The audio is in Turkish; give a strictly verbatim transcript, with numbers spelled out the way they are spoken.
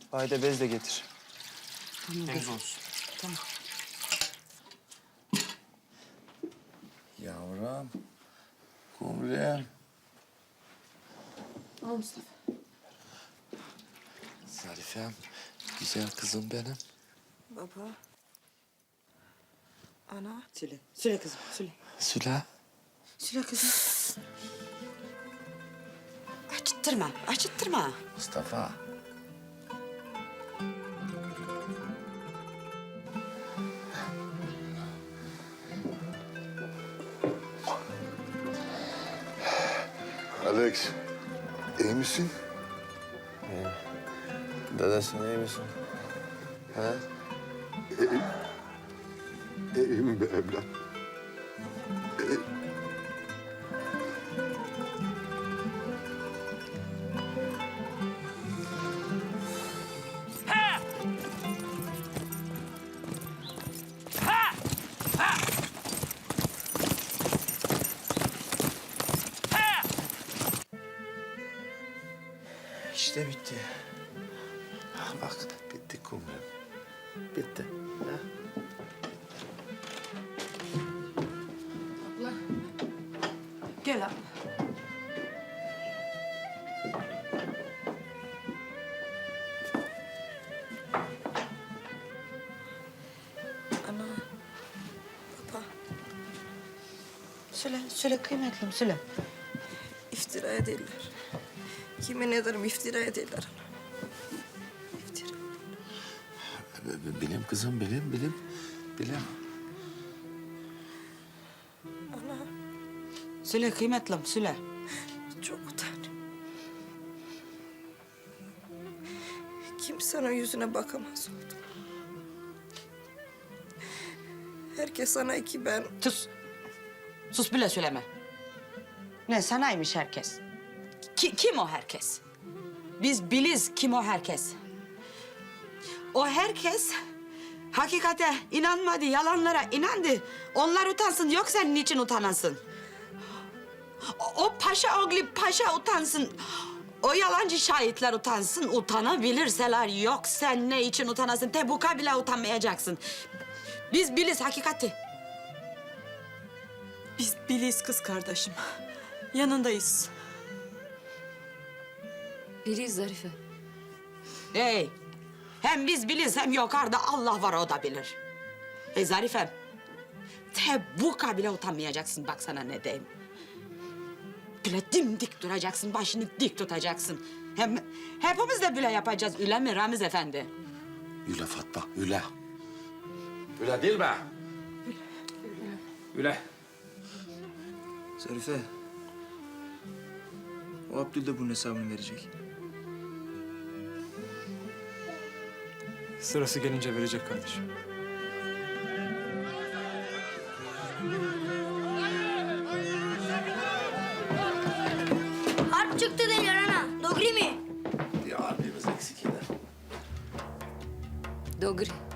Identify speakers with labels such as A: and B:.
A: Haydi bez de getir.
B: Tamam,
A: Temiz
B: kızım.
A: olsun.
B: Tamam.
C: Yavrum. Kumrem.
B: Al Mustafa.
C: Zarifem. Güzel kızım benim.
D: Baba. Ana.
B: Söyle. Söyle kızım. Söyle.
C: Süla.
B: Söyle kızım. Acıttırma. Acıttırma.
C: Mustafa.
E: Alex, iyi misin?
C: Dede sen iyi misin? He?
E: İyiyim be evlat.
C: İşte bitti. Bak bitti Kumrem. Bitti. Ha?
B: Abla. Gel abla.
D: Ana. Baba.
B: Söyle. Söyle kıymetlim. Söyle.
D: İftira ederler. Yemin ederim iftira ederler ana. İftira.
C: B- Bilim kızım bilim bilim. Bilim.
D: Ana.
B: Söyle kıymetlim. Söyle.
D: Çok utanıyorum. Kimse onun yüzüne bakamaz oldu. Herkes sana iki ben.
B: Sus. Sus bile söyleme. Ne sanaymış herkes? Ki, kim o herkes? Biz biliz kim o herkes. O herkes hakikate inanmadı, yalanlara inandı. Onlar utansın, yok sen niçin utanasın? O, o paşa oğlu paşa utansın. O yalancı şahitler utansın, utanabilirseler yok sen ne için utanasın? Tebuka bile utanmayacaksın. Biz biliz hakikati.
F: Biz biliyiz kız kardeşim. Yanındayız.
G: Biriyiz Zarife.
B: Hey, hem biz biliz hem yukarıda Allah var o da bilir. Hey Zarifem, tebuka bile utanmayacaksın bak sana ne diyeyim. Böyle dimdik duracaksın, başını dik tutacaksın. Hem hepimiz de böyle yapacağız, öyle mi Ramiz Efendi?
C: Üle Fatma üle. Üle değil mi?
A: Üle. Zarife. O Abdül de bunun hesabını verecek.
H: Sırası gelince verecek kardeşim.
I: Harp çıktı derler ana. Dogri mi?
C: Bir abimiz eksik yine.
G: Dogri.